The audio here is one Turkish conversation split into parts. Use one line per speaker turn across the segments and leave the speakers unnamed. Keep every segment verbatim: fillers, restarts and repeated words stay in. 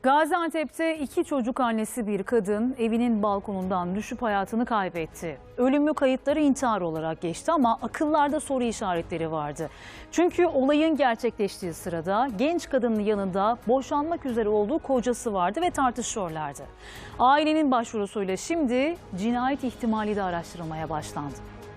Gaziantep'te iki çocuk annesi bir kadın evinin balkonundan düşüp hayatını kaybetti. Ölümlü kayıtları intihar olarak geçti ama akıllarda soru işaretleri vardı. Çünkü olayın gerçekleştiği sırada genç kadının yanında boşanmak üzere olduğu kocası vardı ve tartışıyorlardı. Ailenin başvurusuyla şimdi cinayet ihtimali de araştırılmaya başlandı.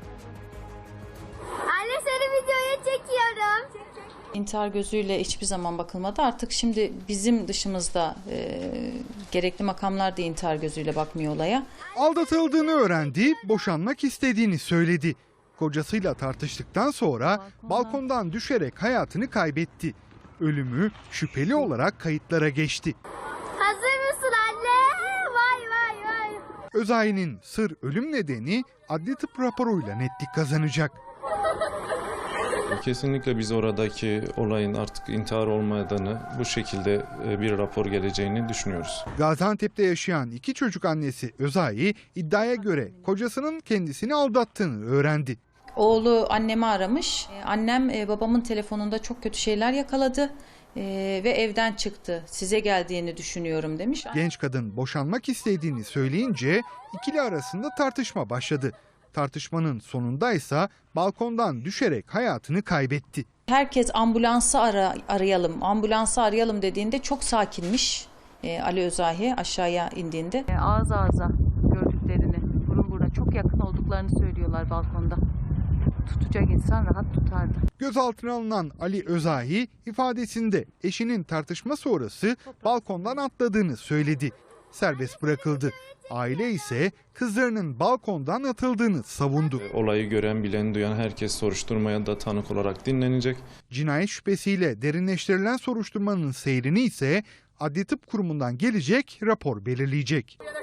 Anne, seni videoya çekiyorum.
İntihar gözüyle hiçbir zaman bakılmadı. Artık şimdi bizim dışımızda e, gerekli makamlar da intihar gözüyle bakmıyor olaya.
Aldatıldığını öğrendi, boşanmak istediğini söyledi. Kocasıyla tartıştıktan sonra balkondan düşerek hayatını kaybetti. Ölümü şüpheli olarak kayıtlara geçti.
Hazır mısın anne? Vay vay vay.
Özay'ın sır ölüm nedeni adli tıp raporuyla netlik kazanacak.
Kesinlikle biz oradaki olayın artık intihar olmadığını, bu şekilde bir rapor geleceğini düşünüyoruz.
Gaziantep'te yaşayan iki çocuk annesi Özay iddiaya göre kocasının kendisini aldattığını öğrendi.
Oğlu annemi aramış. Annem e, babamın telefonunda çok kötü şeyler yakaladı e, ve evden çıktı. Size geldiğini düşünüyorum demiş.
Genç kadın boşanmak istediğini söyleyince ikili arasında tartışma başladı. Tartışmanın sonundaysa balkondan düşerek hayatını kaybetti.
Herkes ambulansı ara, arayalım, ambulansı arayalım dediğinde çok sakinmiş e, Ali Özahi aşağıya indiğinde. E, ağız ağza gördüklerini, burun buruna çok yakın olduklarını söylüyorlar balkonda. Tutacak insan rahat tutardı.
Gözaltına alınan Ali Özahi ifadesinde eşinin tartışma sonrası balkondan atladığını söyledi. Serbest bırakıldı. Aile ise kızlarının balkondan atıldığını savundu.
Olayı gören, bilen, duyan herkes soruşturmaya da tanık olarak dinlenecek.
Cinayet şüphesiyle derinleştirilen soruşturmanın seyrini ise Adli Tıp Kurumu'ndan gelecek rapor belirleyecek.